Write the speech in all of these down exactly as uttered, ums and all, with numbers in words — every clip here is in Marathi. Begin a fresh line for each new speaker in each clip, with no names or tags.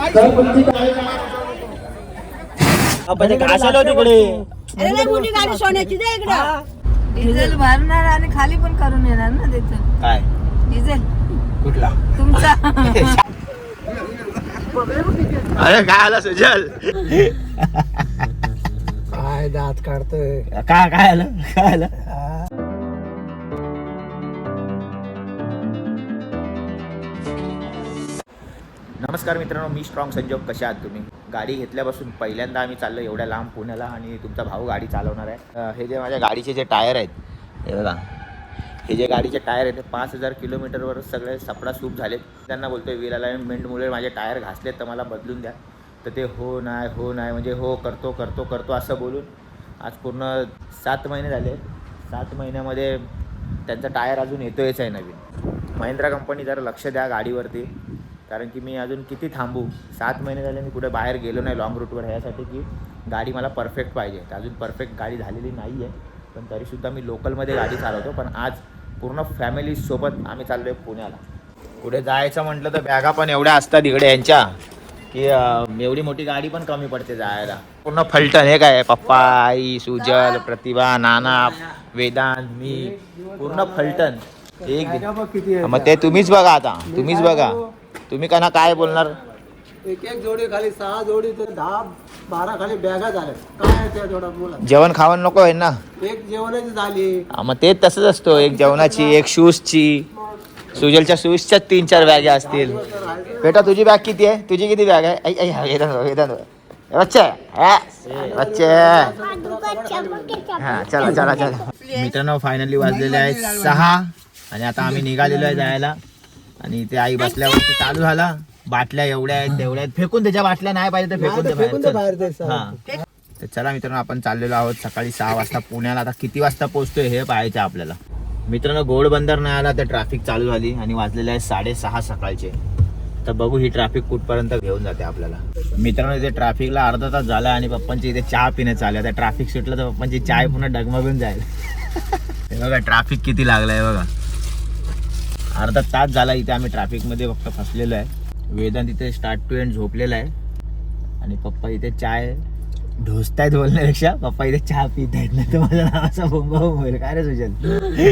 डिझेल भरणार आणि खाली पण करून येणार ना तिथं. काय डिझेल कुठला तुमचा?
अरे काय आला सुजल?
काय दात काढतोय?
काय काय आलं काय आलं? नमस्कार मित्रांनो, मी स्ट्रॉंग संजोग. कशा आहात तुम्ही? गाडी घेतल्यापासून पहिल्यांदा आम्ही चाललो एवढ्या लांब पुण्याला आणि तुमचा भाऊ गाडी चालवणार आहे. हे जे माझ्या गाडीचे जे टायर आहेत हे बघा, हे जे गाडीचे टायर आहेत ते पाच हजार किलोमीटरवर सगळे सपडा सूप झालेत. त्यांना बोलतोय व्हील अलाइनमेंटमुळे माझे टायर घासलेत तर मला बदलून द्या. तर ते हो नाही हो नाही म्हणजे हो करतो करतो करतो असं बोलून आज पूर्ण सात महिने झाले. सात महिन्यामध्ये त्यांचा टायर अजून येतोयच आहे नवीन. महिंद्रा कंपनी जरा लक्ष द्या गाडीवरती, कारण की मी अजून किती थांबू. सात महिने झाले मी कुठे बाहेर गेलो नाही लॉंग रूटवर, ह्यासाठी की गाडी मला परफेक्ट पाहिजे. तर अजून परफेक्ट गाडी झालेली नाही आहे, पण तरीसुद्धा मी लोकलमध्ये गाडी चालवतो. पण आज पूर्ण फॅमिलीसोबत आम्ही चाललो आहे पुण्याला. पुढे जायचं म्हटलं तर बॅगा पण एवढ्या असतात इकडे यांच्या की एवढी मोठी गाडी पण कमी पडते जायला. पूर्ण फलटण. हे काय पप्पा, आई, सुजल, प्रतिभा, नाना, वेदांत, मी, पूर्ण फलटण. एक मग ते तुम्हीच बघा, आता तुम्हीच बघा. तुम्ही का ना काय बोलणार?
एक एक जोडी खाली सहा जोडी तर दहा बारा खाली बॅगा झाल्या. काय त्या जोडा बोला?
जेवण खावण नको आहे ना?
एक जेवणाची झाली.
मग ते तसंच असतो, एक जेवणाची एक शूजची. सुजलच्या शूजच्या तीन चार बॅगा असतील. बेटा तुझी बॅग किती आहे? तुझी किती बॅग आहे? बच्चे बच्चे हा चला चला चला. मित्रांनो फायनली वाजलेले आहेत सहा आणि आता आम्ही निघालेलो आहे जायला. आणि ते आई बसल्यावरती चालू झाला. बाटल्या एवढ्या आहेत तेवढ्या आहेत, फेकून त्याच्या बाटल्या नाही पाहिजे तर फेकून दे बाहेर. हा तर चला मित्रांनो, आपण चाललेलो आहोत सकाळी सहा वाजता पुण्याला. आता किती वाजता पोहोचतोय हे पाहायचं आपल्याला. मित्रांनो घोडबंदर नाही आला तर ट्रॅफिक चालू झाली आणि वाजलेले आहे साडेसहा सकाळचे. तर बघू ही ट्रॅफिक कुठपर्यंत घेऊन जाते आपल्याला. मित्रांनो इथे ट्रॅफिकला अर्धा तास झाला आणि पप्पांची इथे चहा पिणे चालू आहे. ट्रॅफिक सुटलं तर पप्पांची चाय पुन्हा डगमगून जाईल. हे बघा ट्रॅफिक किती लागलाय बघा. अर्धा तास झाला इथे आम्ही ट्रॅफिकमध्ये फक्त फसलेलो आहे. वेदांत इथे स्टार्ट टू एंड झोपलेला आहे आणि पप्पा इथे चाय ढोसतायत बोलण्यापेक्षा पप्पा इथे चहा पित आहेत. नाही तर माझ्या नावाचा बोंबा होईल. काय रे सुजल?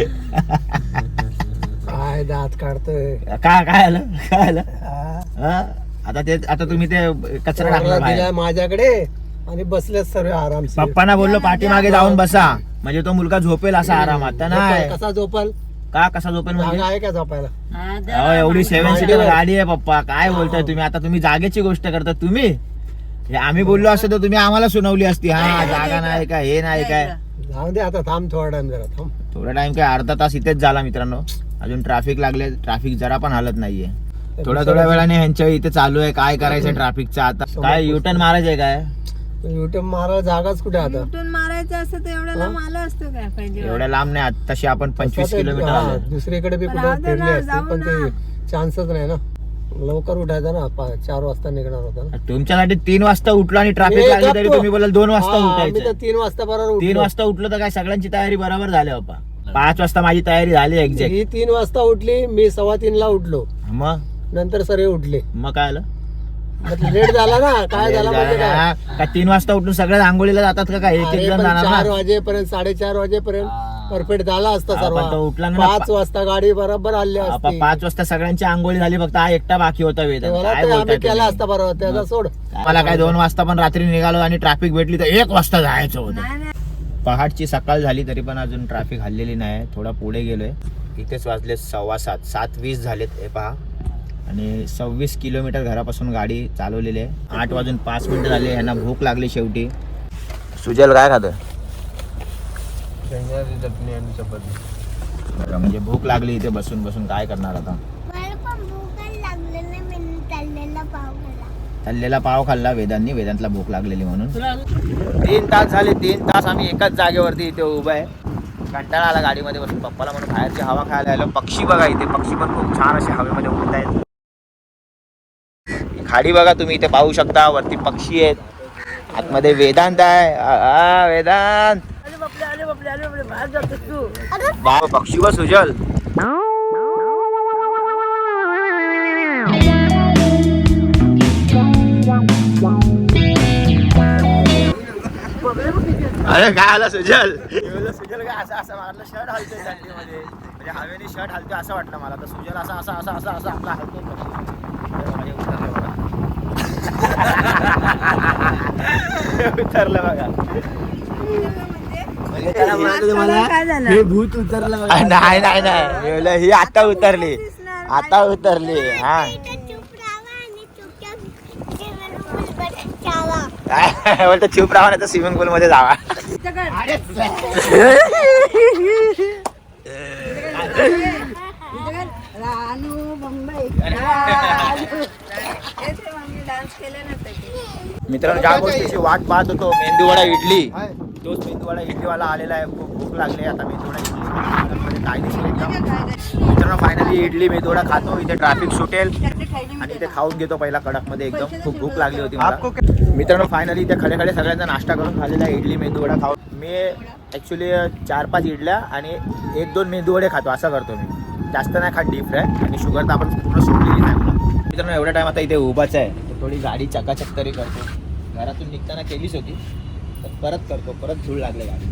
काय दात काढतोय?
काय काय आलं काय आलं? आता ते आता तुम्ही ते कचरा टाकला
माझ्याकडे आणि बसले सर्व आराम.
पप्पांना बोललो पाठीमागे जाऊन बसा म्हणजे तो मुलगा झोपेल असा आरामात. नाही
कसा झोपल?
का कसा झोपेल म्हणजे
आहे का झोपायला?
एवढी सेव्हन सीटर गाडी आहे पप्पा. काय बोलताय तुम्ही? आता तुम्ही जागेची गोष्ट करता. तुम्ही आम्ही बोललो असतो तर तुम्ही आम्हाला सुनावली असती. हा जागा नाही का हे नाही काय.
जाऊ दे आता, थांब थोडा टाइम जरा थांब.
थोडा टाइम काय अर्धा तास इथेच झाला मित्रांनो. अजून ट्रॅफिक लागले. ट्रॅफिक जरा पण हालत नाहीये. थोड्या थोड्या वेळाने ह्यांच्या इथे चालू आहे काय करायचं ट्रॅफिकचं. आता काय युटर्न मारायचं आहे काय?
युटर्न मारायला जागाच कुठे? आता
युटर्न मारायचं असतं तर एवढ्या लांब आलं असतं काय पाहिजे?
एवढ्या लांब नाही. तशी आपण पंचवीस किलोमीटर आलो.
दुसरीकडे बी कुठे फिरले असते पण ते चान्सच नाही ना. लवकर उठायचं ना, चार वाजता निघणार होता ना.
तुमच्यासाठी तीन वाजता उठलो आणि ट्रॅफिक लागली तरी तुम्ही बोलाल दोन वाजता उठायचं.
तीन वाजता बरोबर
तीन वाजता उठलो तर काय सगळ्यांची तयारी बरोबर झाली बाबा. पाच वाजता माझी तयारी झाली एक्झॅक्ट.
ही तीन वाजता उठली, मी सव्वा तीन ला उठलो.
मग
नंतर सगळे उठले.
मग काय आलं?
लेट झाला ना. काय झाला माहिती
का? तीन वाजता उठून सगळे आंघोळीला जातात का? काय एक एक जण जाणार?
चार वाजेपर्यंत साडेचार वाजेपर्यंत परफेक्ट झाला असता सर्व.
उठला ना
पाच वाजता गाडी बरोबर आली असती.
पाच वाजता सगळ्यांची आंघोळी झाली, फक्त हा एकटा बाकी होता.
आम्ही केला असता बरोबर, त्याचा सोड.
मला काय दोन वाजता पण रात्री निघालो आणि ट्रॅफिक भेटली तर एक वाजता जायचं होतं. पहाटची सकाळ झाली तरी पण अजून ट्रॅफिक हल्लेली नाही. थोडा पुढे गेलोय. इथेच वाजले सव्वा सात सात वीस झालेत हे पहा. आणि सव्वीस किलोमीटर घरापासून गाडी चालवलेली आहे. आठ वाजून पाच मिनिटं झाली. यांना भूक लागली शेवटी. सुजल काय खातं?
चटणी आणि चपाती.
म्हणजे भूक लागली इथे बसून बसून. काय करणार आता? तळलेला पाव खाल्ला वेदांनी. वेदांतला भूक लागलेली म्हणून. तीन तास झाले. तीन तास आम्ही एकाच जागेवरती इथे उभा आहे. कंटाळा आला गाडीमध्ये बसून. पप्पाला म्हणून बाहेरची हवा खायला आलो. पक्षी बघा इथे. पक्षी पण खूप छान असे हवेमध्ये उडत आहेत. खाडी बघा तुम्ही इथे पाहू शकता. वरती पक्षी आहेत. आतमध्ये वेदांत आहे. वेदांत पक्षी व सुजल. अरे काय आला सुजल सुजल काय असं असं वाटलं शर्ट हलतोय थंडीमध्ये म्हणजे हवेने शर्ट हलतोय असं वाटलं मला तर सुजल असा असा असा असा असा आपला हलतोय उतरलं बघा
हे भूत उतरलं बघा.
नाही नाही नाही ही आता उतरली आता उतरली हा बोलतो चूप राहा नाही तर स्विमिंग पूल मध्ये जावा मित्रांनो ज्या गोष्टीची वाट पाहत होतो मेंदूवडा इडली तोच मेंदूवडा इडलीवाला आलेला आहे. खूप भूक लागली आता मेंदूवडा इडली काय दिसेल एकदम. मित्रांनो फायनली इडली मेंदूवडा खातो. इथे ट्रॅफिक सुटेल आणि इथे खाऊन घेतो पहिला कडक मध्ये एकदम. खूप भूक लागली होती मला. मित्रांनो फायनली इथे खडे खडे सगळ्यांचा नाश्ता करून खाल्लेला आहे इडली मेंदूवडा खाऊन. मी ॲक्च्युली चार पाच इडल्या आणि एक दोन मेंदूवडे खातो असं करतो मी. जास्त नाही खात डीप फ्राय आणि शुगर तर आपण पूर्ण सोडलेली नाही. मित्रांनो एवढा टाइम आता इथे उभाच आहे तर थोडी गाडी चकाचक तरी करतो. घरातून निघताना केलीच होती तर परत करतो. परत धूळ लागले गाडी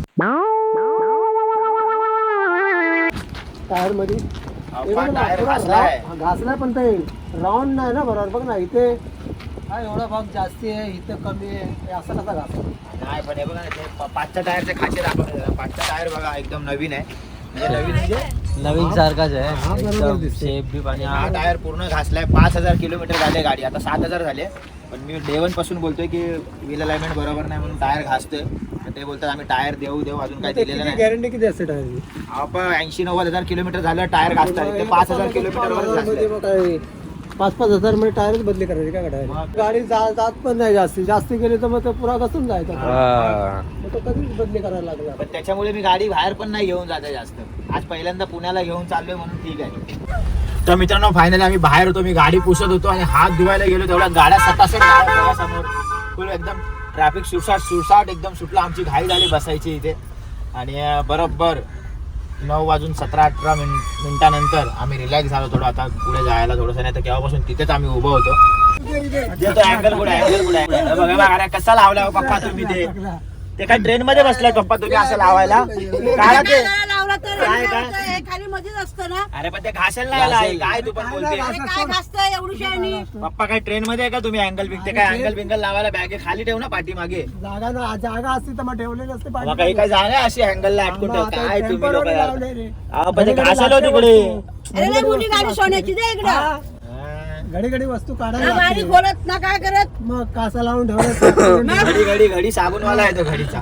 टायर मध्ये
टायर घासलाय.
घासलाय पण ते राऊंड नाही ना बरोबर. बघ ना इथे हा एवढा भाग जास्ती आहे इथं कमी आहे. हे असं कसा घासला
नाही पण हे बघा ना ते पा- पाचच्या टायरचे खाचे दाखवले. पाचचा टायर बघा एकदम नवीन आहे. म्हणजे नवीन म्हणजे
नवीन सारखाच आहे
हा, बरोबर
एकदम
दिसते.
शेप बी आणि
हा टायर पूर्ण घासलाय. पाच हजार किलोमीटर झाले गाडी आता सात हजार झाले. पण मी डे वन पासून बोलतोय की व्हील अलाइनमेंट बरोबर नाही म्हणून टायर घासतोय. तर ते बोलतात आम्ही टायर देऊ देऊ अजून काय दिलेलं नाही.
गॅरंटी किती असते टायरची?
आपण ऐंशी नव्वद हजार किलोमीटर झालं टायर घासतात. ते पाच हजार किलोमीटर
पाच पाच हजार मध्ये टायरच बदली करायची काय टायर.
मग?
गाडी जा- जात पण नाही जास्ती जास्ती गेली तर मग ते पुरा घसून जायचं. मग तो कधीच बदली करायला लागला.
पण त्याच्यामुळे मी गाडी बाहेर पण नाही घेऊन जाते जास्त. आज पहिल्यांदा पुण्याला घेऊन चाललोय म्हणून ठीक आहे. तर मित्रांनो फायनली आम्ही बाहेर होतो. मी गाडी पुसत होतो आणि हात धुवायला गेलो तेवढ्या गाड्या सतासत समोर फुल एकदम ट्रॅफिक सुसाट सुसाट एकदम सुटला. आमची घाई झाली बसायची इथे आणि बरोबर नऊ वाजून सतरा अठरा मिन मिनिटानंतर आम्ही रिलॅक्स झालो थोडं. आता पुढे जायला थोडंसं नाही तर केव्हापासून तिथेच आम्ही उभं होतो. अँगल कुठे अँगल कुठे बघा बघा कसा लावला पप्पा तुम्ही ते ते काय ट्रेन मध्ये बसलाय पप्पा तुम्ही असं लावायला काय ते
लावला तर
काय काय
हे खाली मध्येच असतं ना.
अरे पण ते घासायला नाही लावलंय. काय तू पण बोलते
अरे काय घासतं एवढी शायनी.
पप्पा काय ट्रेन मध्ये आहे का तुम्ही अँगल बिंगते काय अँगल बिंगल लावायला बॅगे खाली ठेव ना पाठीमागे.
जागा ना जागा असती तर मग ठेवलेली असते पाठी.
मग काही काय जागा आहे अशी अँगलला अटकून ठेव. काय तुम्ही लोक
लावले रे.
पण ते घासायला तिकडे
अरे नाही मुली गाडी सोन्याची दे इकडं.
घडी घडी वस्तू
ना
काढायला
गाडी
लागते.
खोलत ना काय करत.
मग कासा लावून ठेवलं.
घडी घडी घडी साबूनवाला आहे तो घडीचा.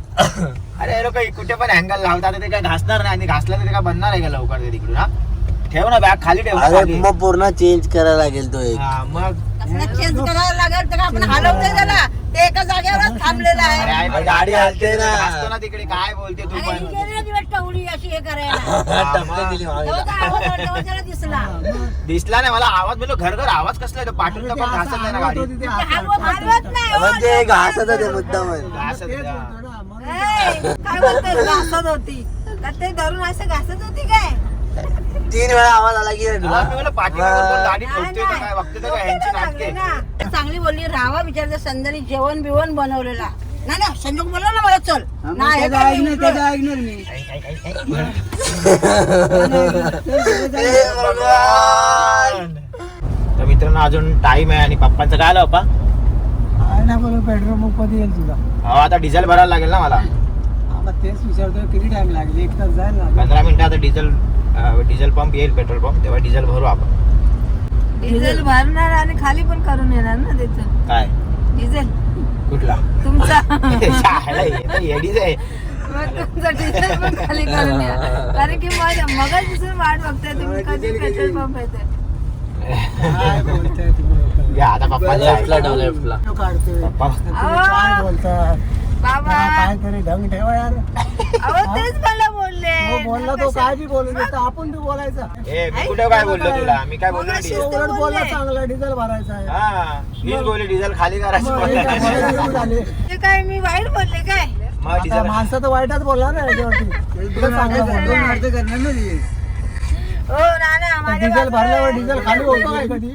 अरे लोक कुठे पण अँगल लावतात ते काय घासणार नाही आणि घासला तर ते काय बनणार आहे का लवकर ते तिकडून. हा ठेव ना बॅग खाली ठेव ना खाली.
मग पूर्ण चेंज करायला लागेल तो एक.
हा, मग
चेंज करायला लागेल तर आपण हलवतोय त्याला. ते एका जागेवरच थांबलेलं
अरे
आहे.
आई, पण गाडी हलते ना घासतो ना तिकडे. काय बोलते तू
आणि
पण
ही गेली ना दिवस टवळी अशी हे करायला.
हा, मग.
तेव्हा तो आवाज आला, तेव्हा त्याला दिसला.
दिसला नाही मला आवाज बोललो घर घर आवाज कसला आहे तो पाठवून पण घासत नाही ना गाडी.
ते हलवत हलवत नाही हो.
म्हणजे घासत ते मुद्दाम
घासत नाही, हा.
ए, काय बोलतोय घासत होती का ते धरून असं घासत होती काय.
तीन वेळा आवाज आला की रे तुला.
हा, मी म्हणलं पाठीमागून कोण गाडी
नाही,
ठोकतोय का काय बघते तर काय ह्यांची नाटके.
ना. चांगली बोलली राहावा विचारते संध्यानी जेवण बिवण बनवलेला. नाही ना संजोग बोलला ना मला चल नाही हे काय नाही,
ऐकणार मी.
तर मित्रांनो अजून टाइम आहे आणि पप्पांचं काय आलं पप्पा.
काय नाही बोलू पेट्रोल पंप कधी येईल तुझा.
हो आता डिझेल भरायला लागेल ना मला.
हा, मग तेच विचारतोय किती टाइम लागेल. एक तास जाईल ना.
पंधरा मिनिटं आता डिझेल डिझेल पंप येईल पेट्रोल पंप तेव्हा डिझेल भरू आपण.
डिझेल भरणार आणि खाली पण करून येणार ना त्याचं
काय
डिझेल
कुठला
तुमचा.
शाळा आहे, तर येडीच आहे.
मग तुमचा डिझेल पण खाली करून या. कारण की मग मगच दिसून वाट बघताय तुम्ही कधी पेट्रोल पंप येते.
काय बोलताय तुम्ही?
या आता पप्पा
लेफ्टला ठेव लेफ्टला.
तो काढतोय.
पप्पा
तुम्ही काय बोलतात?
बाबा
काय तरी ढंग ठेवा यार.
अहो तेच मला बोलले.
तो बोलला तो काय बी बोलू देतो आपण बी बोलायचा.
ए मी कुठे काय बोललो तुला मी काय बोललो
मग
डिझेल.
तो उलट बोलला चांगला डिझेल भरायचा आहे.
हा मीच बोलले डिझेल खाली करायचं
मग हे काय
बोलला.
बोलायला झाले.
ते काय मी वाईट बोलले काय.
मग
आता
डिझेल
माणसं तर वाईटच बोलला ना याच्यावरती. तुला चांगलं बोललो.
हो ना ना माझ्या
डिझेल
बाजूला
भरल्यावर
आहे.
डिझेल खाली होतो काय कधी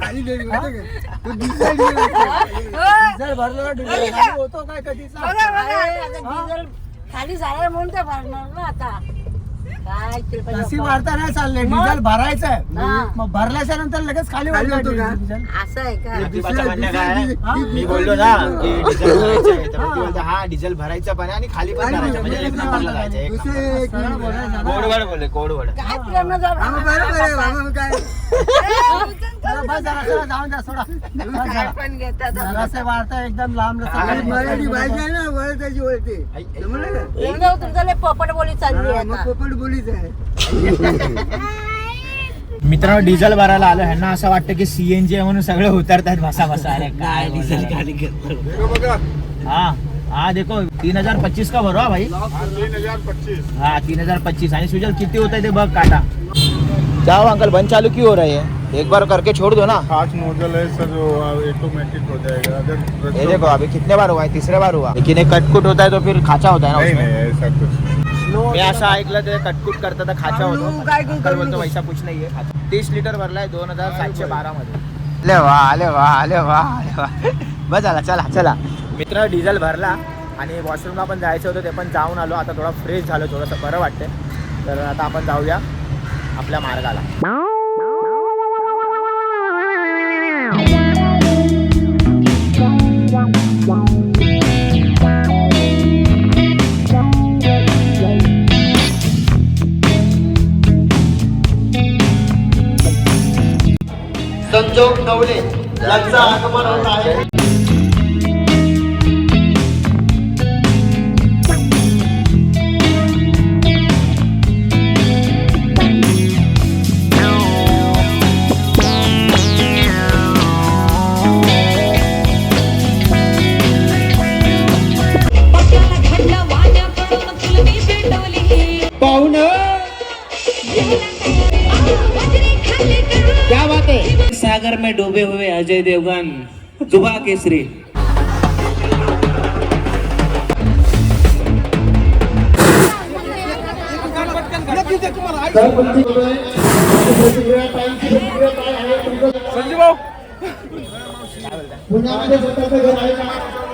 डिझेल भरल्यावर डिझेल खाली होतो काय कधीचा
बघा बघा
डिझेल खाली झालं म्हणून ते भरणार ना आता काय कृपया
नशी वाढता नाही चाललंय डिझेल भरायचं आहे
हा.
मग भरल्याच्या नंतर लगेच खाली होतो डिझेल
असं आहे का
प्रतिभाचं म्हणणं काय आहे? मी बोललो ना की डिझेल भरायचं आहे. तर प्रतिभा बोलते, हा डिझेल भरायचं पण आहे आणि खाली पण करायचं म्हणजे एक नंबरला जायचं एक नंबरला. कोडवड बोलले कोडवड
काय प्रेम
बस जरा जरा जाऊन द्या सोडा बस जरा.
पण घेतात
जरासं वाढता एकदम लांब
मराठी भाषा आहे ना वळताची वळते
तुमचं लय पोपट बोली चालली आहे आता.
पोपट बोलीच आहे
मित्रांनो डिझेल भरायला आलो ह्यांना असं वाटतं की सीएनजी आहे म्हणून सगळे उतरतात बसा बसा अरे काय डिझेल खाली हा हा देखो तीन हजार पच्चीस का भरो हा भाई
तीन हजार पच्चीस
हाँ तीन हजार पच्चीस यानी सुजल कितने होता है बग काटा जाओ अंकल बंद चालू क्यों हो रही है एक बार करके छोड़ दो ना
खास नोजल है सर जो ऑटोमेटिक हो जाएगा अगर
ये देखो अभी कितने बार हुआ है तीसरे बार हुआ लेकिन एक कटकुट होता है तो फिर खाचा होता है ना
नहीं
उसमें
नहीं ऐसा कुछ
मी असं ऐकलं ते कटकुट करता तर खाचा होतो अंकल बोलतो वैसा कुछ नाही आहे खाचा तीस लिटर भरलाय दोन हजार सातशे बारा मध्ये अले वा अले वा अले वा अले वा बस झाला चला चला मित्र डिझेल भरला आणि वॉशरूमला पण जायचं होतं ते पण जाऊन आलो आता थोडा फ्रेश झालो थोडंसं बरं वाटतंय तर आता आपण जाऊया आपल्या मार्गाला
संजोग नवले यांचं आगमन होत आहे
सागर में डूबे हुए अजय देवगन जुबा केसरी
संजीव भाऊ
पुण्यामध्ये स्वतःचं घर आहे का